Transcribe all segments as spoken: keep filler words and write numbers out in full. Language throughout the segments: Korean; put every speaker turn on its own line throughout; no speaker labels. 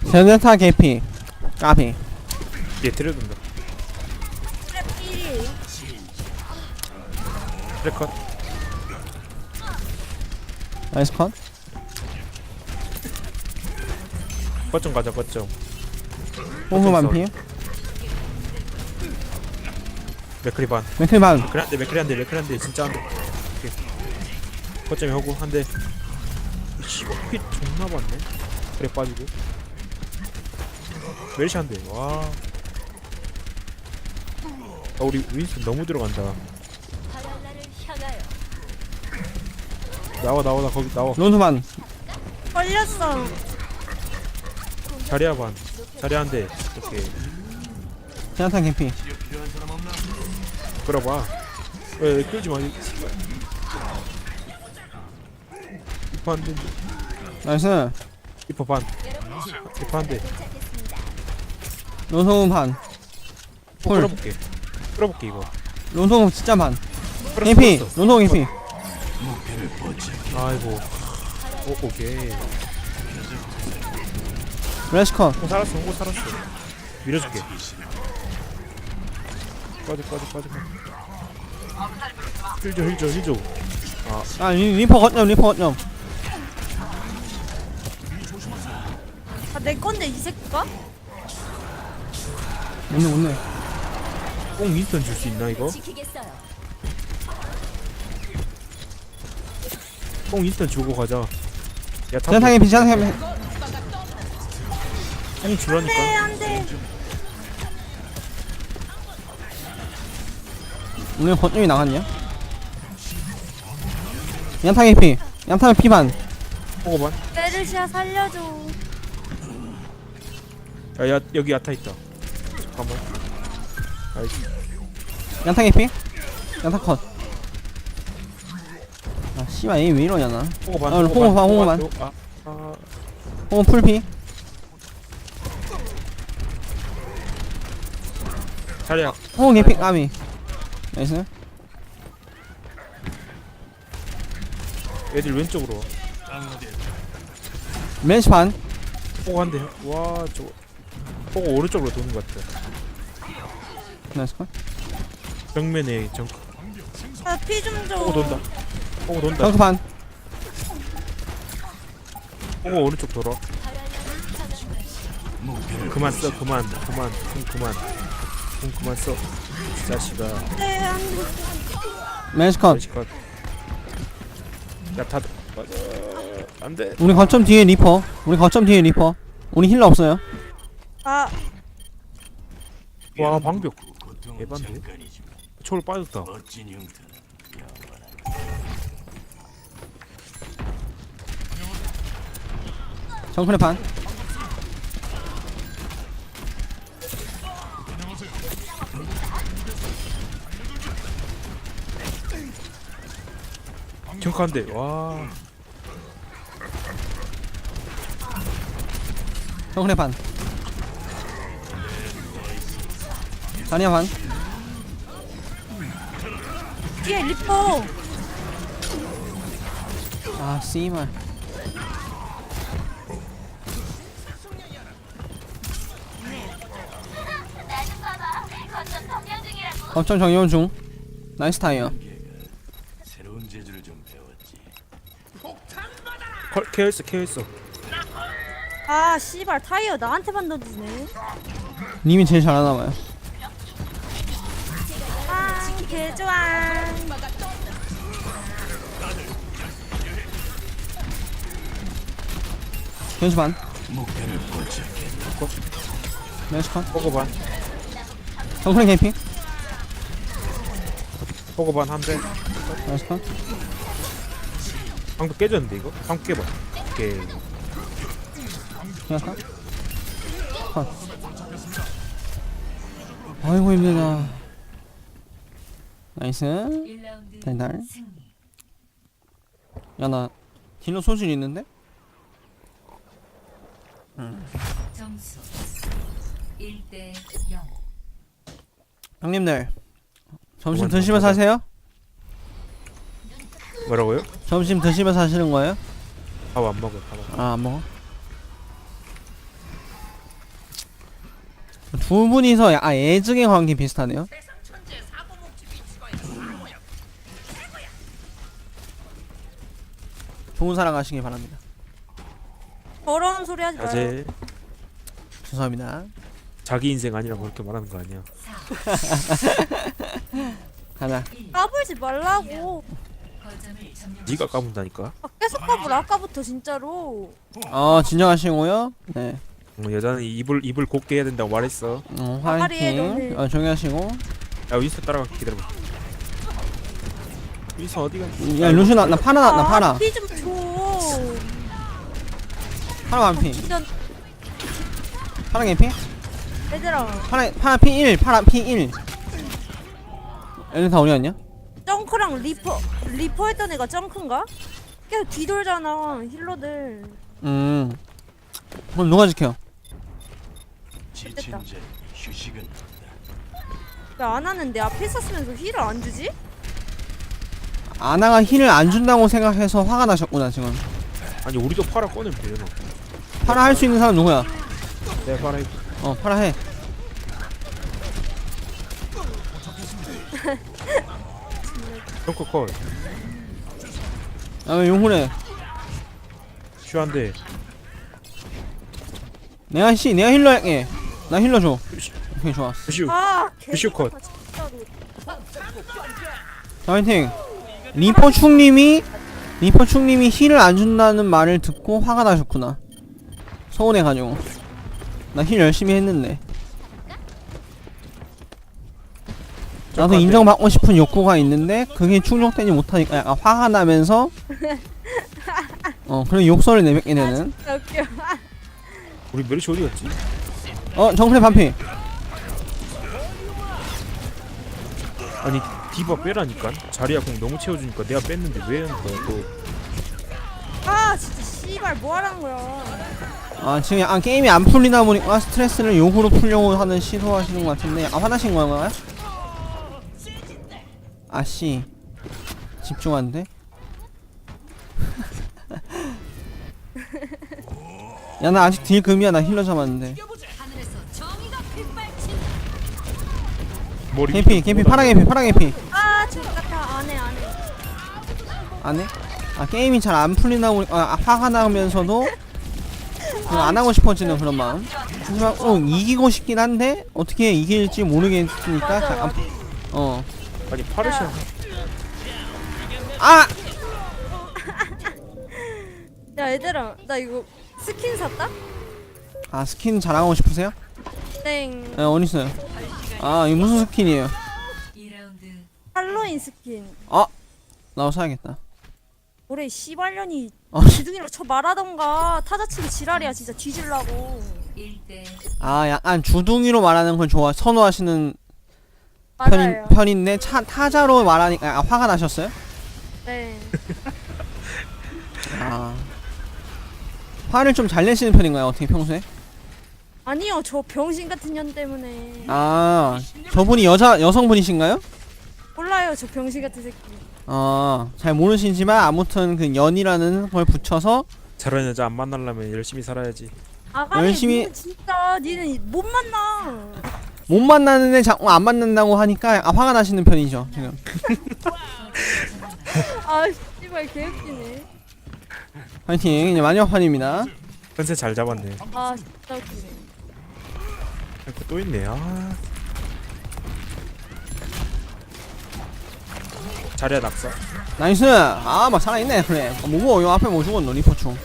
제네타 개피 까비.
얘 때려준다.
트랩
트래컷.
나이스 컷.
거점 가자 거점.
호흡 반피.
맥크리 반.
맥클 반.
맥크리 한대 맥크리 한대 맥크리 한대 진짜 한대. 거점에 하고 한대. 씨발 피 존나 봤네. 그래 빠지고. 멜시 한대. 와. 아 우리 윈스 너무 들어간다. 나와 나와 나 거기 나와.
론수 반.
걸렸어.
자리야 반. 자리야 한대. 오케이.
제네타 개피.
끌어봐. 왜 끌지 마. 이퍼 한 대.
나이스.
이퍼 반. 이퍼 한 대.
론수 반. 폴.
끌어볼게. 끌어볼게 이거.
론수 진짜 반.
끌었어,
개피.
끌었어.
론수 개피.
아이고. 오 오케이.
레스 컷.
오 살았어. 오 살았어. 밀어줄게. 빠져 빠져 빠져. 힐줘 힐줘 힐줘.
아 리, 리퍼 거점 리퍼 거점.
아, 내 건데 이 새끼가?
못내 못내.
뽕 윈스턴 줄 수 있나 이거? 뽕 윈스턴 주고 가자. 야 탑.
제네타 개피 제네타 개피.
뽕
네,
주라니까.
안 돼.
오늘 거점이 나갔냐? 양타 개피. 양타는 피반.
먹어봐.
메르시아 살려줘.
야, 야 여기 야타 있다. 잠깐만. 아이씨.
양타 개피. 양타 컷. 아 씨발 에임 왜 이러냐 나.
홍어반.
어, 홍어반, 홍어반.
아, 아,
홍은 풀피.
자리야.
홍은 개피 까비. 나이스.
애들 왼쪽으로 와.
멘시 반.
호구 한 대. 와, 저거. 호구 오른쪽으로 도는 것 같아.
나이스 컷.
벽면에 정.
아, 피 좀 줘.
호구 돈다. 호구 돈다.
덩크 반.
호구 오른쪽 돌아. 그만 써, 그만, 그만, 공 그만, 공 그만 써. 이 자식아.
네, 안 돼.
멘시 컷.
자식아. 야, 다 맞아. 안 돼.
우리 거점 뒤에 리퍼. 우리 거점 뒤에 리퍼. 우리 힐러 없어요.
아,
와, 방벽. 예반데. 초를 빠졌다.
정크레 반.
정크한데. 와.
정크레 반. 자니야 반.
뒤에 리퍼.
아 씨발. 거점 정리원 중. 나이스 타이어.
새로운 재주를 좀 배웠지.
컬 케어했어, 케어했어.
아, 씨발 타이어 나한테만 던지네.
님이 제일 잘하나봐요.
아, 개 좋아.
변수 반.
목표를 포착했다.
멘시 컷.
호구 반.
정크레 개피.
호구 반 한 대.
나이스 컷.
방벽 깨졌는데 이거? 방벽 깨봐. 오케이.
그냥 컷. 컷. 아이고 힘들다. 나이스. 달달. 야나 딜러 소질 있는데?
점수 일 대 영.
형님들 점심
그만
드시면서
좀
하세요?
뭐라고요?
점심 드시면서 하시는 거예요?
밥 안 먹어. 밥 안 먹어.
아 안 먹어? 두 분이서 야, 아, 애증의 관계 비슷하네요. 좋은 사랑 하시길 바랍니다.
더러운 소리 하지 마요.
자제.
죄송합니다.
자기 인생 아니라고 그렇게 말하는 거 아니야.
가자.
까불지 말라고.
거점을 점령.
네가 까분다니까.
아, 계속 까불 아까부터 진짜로.
어 진정하시고요. 네.
어, 여자는 입을 입을 곱게 해야 된다고 말했어.
어,
아가리에
화이팅.
너는-
어, 조용히 하시고.
야 윈스 따라가 기다려봐. 윈스 어디가?
야 루시 나, 나 파라 나, 나 파라.
피좀 줘.
파라 완피.
진짜
파라 개피?
얘들아.
파라 파라 피 일. 파라 피 일. 얘네 다 어디 갔냐?
정크랑 리퍼 리퍼 했던 애가 정크인가? 계속 뒤돌잖아 힐러들.
음. 그럼 누가 지켜?
지친
됐다.
자에게 휴식은 없다.
왜 안 하는 내 앞에 있었으면서 힐을 안 주지?
아나가 힐을 안 준다고 생각해서 화가 나셨구나 지금.
아니 우리도 파라 꺼내면 되잖아.
파라 할 수 있는 사람 누구야?
내가 파라 해볼게.
어 파라 해.
덩커 컷.
야왜 용훈해?
슈한데.
내가 씨 내가 힐러 할게. 나 힐러 줘. 오케이 좋아.
슈.
아
슈 컷.
진짜로.
자 화이팅. 리퍼충님이 리퍼충님이 힐을 안 준다는 말을 듣고 화가 나셨구나. 서운해가지고. 나 힐 열심히 했는데. 나도 인정받고 싶은 욕구가 있는데 그게 충족되지 못하니까 약간 화가 나면서 어 그런 욕설을 내뱉게 되는.
진짜 웃겨.
우리 메리시 어디 갔지?
어 정크레 반피.
아니 디바 빼라니까. 자리야 공 너무 채워주니까 내가 뺐는데 왜 하는 거야 또.
아 진짜 씨발 뭐 하라는 거야.
아 지금 약간 게임이 안 풀리다 보니까 스트레스를 욕으로 풀려고 하는 시도하시는 것 같은데 약간 화나신 건가요? 아씨 집중한데? 야 나 아직 딜 금이야. 나 힐러 잡았는데.
머리
개피
밑에
개피
뭐가
파라 개피 파라 개피.
아 저같아 안해 안해.
안 해? 아 게임이 잘 안 풀리다 보니까 아, 화가 나면서도 그냥 안 하고 싶어지는 그런 마음. 하지만 어 이기고 싶긴 한데 어떻게 이길지 모르겠으니까
맞아,
약간 어.
아니 파르시아.
아!
야 얘들아 나 이거 스킨 샀다?
아 스킨 자랑하고 싶으세요?
땡.
네 어딨어요? 아 이거 무슨 스킨이에요?
이 라운드
할로윈 스킨.
나도 사야겠다.
올해 씨발년이
어.
기둥이랑 쳐 말하던가 타자치기 지랄이야 진짜 뒤질라고.
일 대
아 약간 주둥이로 말하는 걸 좋아 선호하시는
맞아요.
편인, 편인데 차, 타자로 말하니까 약간 화가 나셨어요?
네.
아 화를 좀 잘 내시는 편인가요? 어떻게 평소에?
아니요 저 병신 같은 년 때문에.
아 저분이 여자 여성분이신가요?
몰라요 저 병신 같은 새끼.
아 잘 모르시지만 아무튼 그 연이라는 걸 붙여서
저런 여자 안 만나려면 열심히 살아야지.
아가리
열심히-
니는 진짜 니는 못 만나.
못 만나는데 자꾸 안 만난다고 하니까 약간 화가 나시는 편이죠 지금.
아 씨발 개웃기네.
화이팅 이제 마지막 판입니다.
컨셉 잘 잡았네.
아 진짜 웃기네.
이렇게 또 있네. 아. 자리야 낙사.
나이스. 아 막 살아있네. 그래 어, 뭐고 요 앞에 뭐 죽었노 리포충.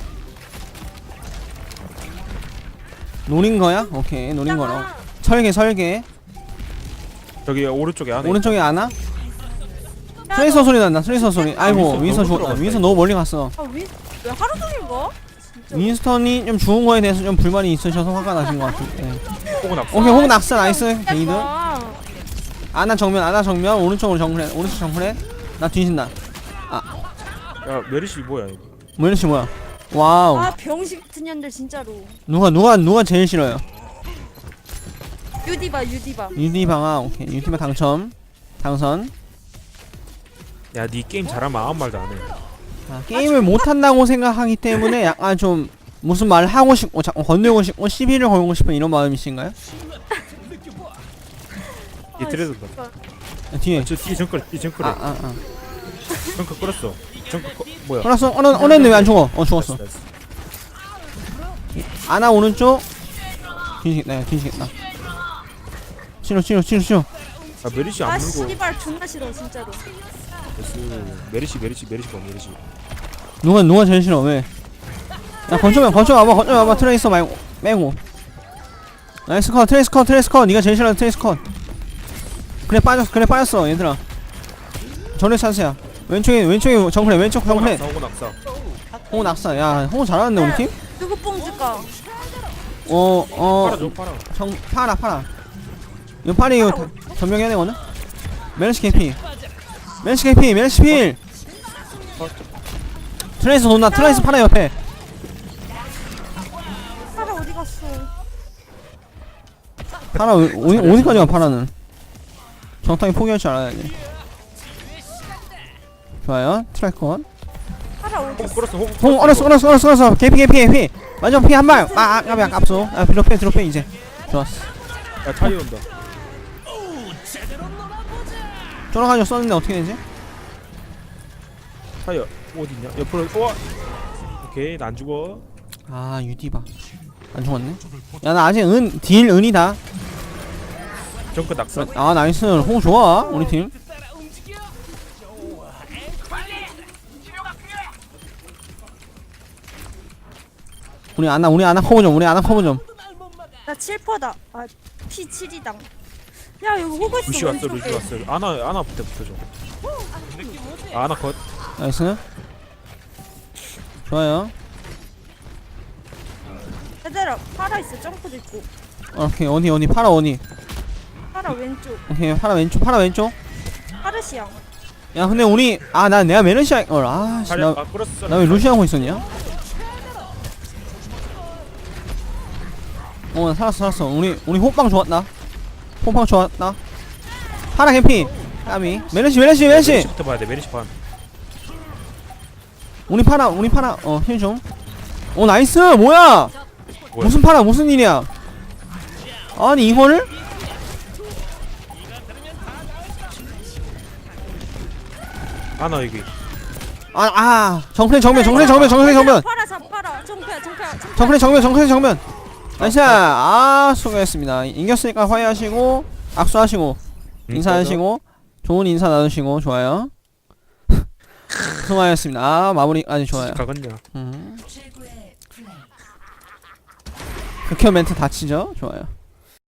노린 거야? 오케이 노린 거로. 설계 설계.
저기 오른쪽에 안에.
오른쪽에 아나? 트레이서 소리 난다. 트레이서 소리. 아이고
윈스턴
윈스턴
너무
죽었다.
들어갔다,
윈스턴
이거.
너무 멀리 갔어.
아왜 왜 하루 종일 가? 진짜.
윈스턴이 좀 죽은 거에 대해서 좀 불만이 있으셔서 화가 나신 것 같은데.
호구 낙사.
오케이 호그 낙사 나이스. 게이드.
아,
아나 정면 아나 정면 오른쪽으로 정크렛 오른쪽 정크렛. 나 뒤진다.
야 메리시 뭐야 이거.
뭐 이런식 뭐야? 와우.
아 병신 같은 년들 진짜로.
누가 누가 누가 제일 싫어요?
유디바 유디바.
유디방아 오케이 유디방 당첨 당선.
야니 게임 잘하면 아무 말도 안 해.
아, 게임을 못한다고 생각하기 때문에 약간 좀 무슨 말을 하고 싶고 자꾸 건들고 싶고 시비를 걸고 싶은 이런 마음이신가요?
뒤에 트레 돈다.
야, 뒤에
저 뒤에 정글 뒤에 정글에
아아아
정글 끌었어. 정글 꺼 뭐야?
알았어 어느 어느인데 왜 안 죽어 어 죽었어
나이스, 나이스.
아나 오른쪽 뒤지겠다 야 뒤지겠다 치료 치료 치료 치료
아 메리시
아
안 물고.
씨발 존나 싫어 진짜로.
나이스. 메리시 메리시 메리시 봐 메리시.
누가 누가 제일 싫어 왜? 야 건조면 건조 와봐 건조 와봐 트레이서 말고 빼고 나이스 컷 트레이스 컷 트레이스 컷 니가 제일 싫어하는 트레이스 컷 그래 빠졌어 그래 빠졌어 얘들아 전에 찬스야 왼쪽에 왼쪽에 정크래 왼쪽 정크래
호구 낙사.
홍 낙사 야 홍 잘하는데 우리 팀?
누구 뽕 줄까?
어어
팔아줘 팔아.
정 파라 파라 이거 파리 이거 다- 전명해야 되거든? 멜시 케피 멜시 케피 멜시 필 트레이스 돈다 트레이스 파라 옆에
파라 어디 갔어?
파라 어디, 어디까지 가 파라는 정탕이 포기할 줄 알아야지 좋아요 트래커
파라 어디?
호구 끌었어. 호구.
홍 얼었어 얼었어 얼었어 얼었어 개피 개피 개피 완전 피 한발 아 아깝이 아깝소 아 뒤로 빼 뒤로 빼 이제 좋았어
야 타이어 온다.
쫄아가지고 썼는데 어떻게 되지?
타이어 어딨냐? 옆으로. 와. 오케이 나 안 죽어.
아 유디바 안 죽었네 야 나 아직 은 딜 은이다
정글 낙사.
아 나이스 홍 좋아 우리 팀 우리 아나 우리 아나 커버 좀 우리 아나 커버 좀
나 칠 퍼다. 아 피 칠이당. 야 여기 호구 있어.
루시 왔어 루시
왼쪽에.
왔어. 아나 아나 부터 붙어줘. 아, 아나 컷.
나이스 좋아요
얘들아 파라 있어. 점프도 있고.
오케이 어디 어디 파라 어디
파라 왼쪽.
오케이 파라 왼쪽 파라 왼쪽
파르시앙.
야 근데 우리 아 나 내가 메르시아 어아씨
타이어
나
아 끌었어.
나 왜 루시 하고 있었냐? 어 살았어 살았어 우리 우리 호빵 좋았다 호빵 좋았다 파라 캠피 까미 메르시 메르시 메르시
메리시부터 봐야 돼. 메리시 반.
우리 파라 우리 파라 어 힐 좀 어 나이스 뭐야
뭐야?
무슨 파라 무슨 일이야 아니 이거를
아나 여기.
아아 정크레 정면 정크레 정면 정크레 정면
파라 잡 파라. 정패 정패 정패.
정크레 정면 정크레 정면 나이스 아 수고했습니다 이겼으니까 화해하시고 악수하시고 인사하시고 좋은 인사 나누시고 좋아요 수고하셨습니다 아 마무리 아주 좋아요
가겠냐?
음.
최고의 플레이.
극혐 멘트 다치죠 좋아요